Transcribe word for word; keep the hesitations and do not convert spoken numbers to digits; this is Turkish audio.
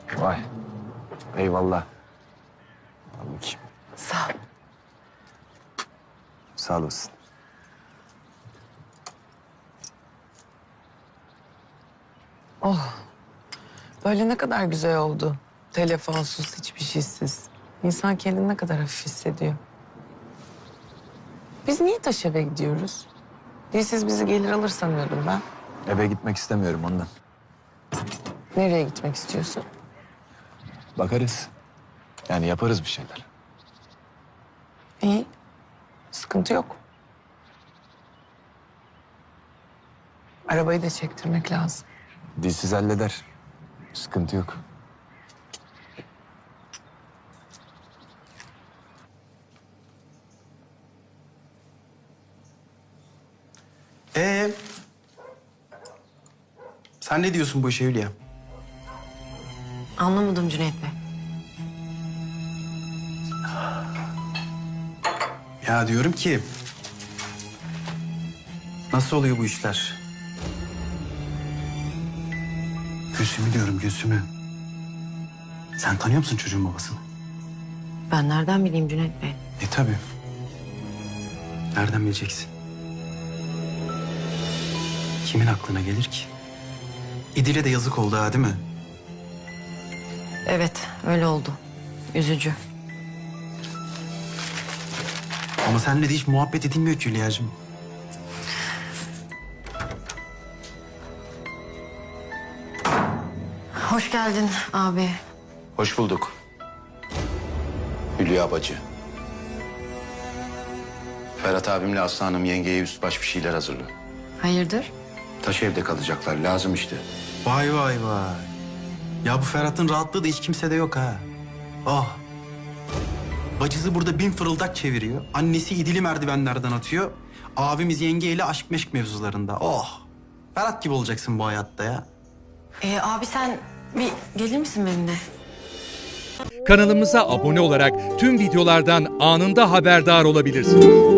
Vay. Eyvallah. Al bakayım. Sağ ol. Sağ olasın. Oh. Böyle ne kadar güzel oldu. Telefonsuz, hiçbir şeysiz. İnsan kendini ne kadar hafif hissediyor. Biz niye taş eve gidiyoruz? Dilsiz bizi gelir alır sanıyordum ben. Eve gitmek istemiyorum ondan. Nereye gitmek istiyorsun? Bakarız. Yani yaparız bir şeyler. İyi. Sıkıntı yok. Arabayı da çektirmek lazım. Dilsiz halleder. Sıkıntı yok. Ee, sen ne diyorsun bu işe Hülya? Anlamadım Cüneyt Bey. Ya diyorum ki... Nasıl oluyor bu işler? Gülsüm'ü diyorum, Gülsüm'ü. Sen tanıyor musun çocuğun babasını? Ben nereden bileyim Cüneyt Bey? E tabii. Nereden bileceksin? Kimin aklına gelir ki? İdil'e de yazık oldu ha, değil mi? Evet, öyle oldu. Üzücü. Ama seninle de hiç muhabbet edilmiyor ki Hülya'cığım. Hoş geldin abi. Hoş bulduk. Hülya bacı. Ferhat abimle Aslı Hanım yengeye üst baş bir şeyler hazırlıyor. Hayırdır? Taş evde kalacaklar, lazım işte. Vay vay vay. Ya bu Ferhat'ın rahatlığı da hiç kimsede yok ha. Oh. Bacısı burada bin fırıldak çeviriyor. Annesi İdil'i merdivenlerden atıyor. Abimiz yengeyle aşk meşk mevzularında. Oh. Ferhat gibi olacaksın bu hayatta ya. Ee, abi sen bir gelir misin benimle? Kanalımıza abone olarak tüm videolardan anında haberdar olabilirsiniz.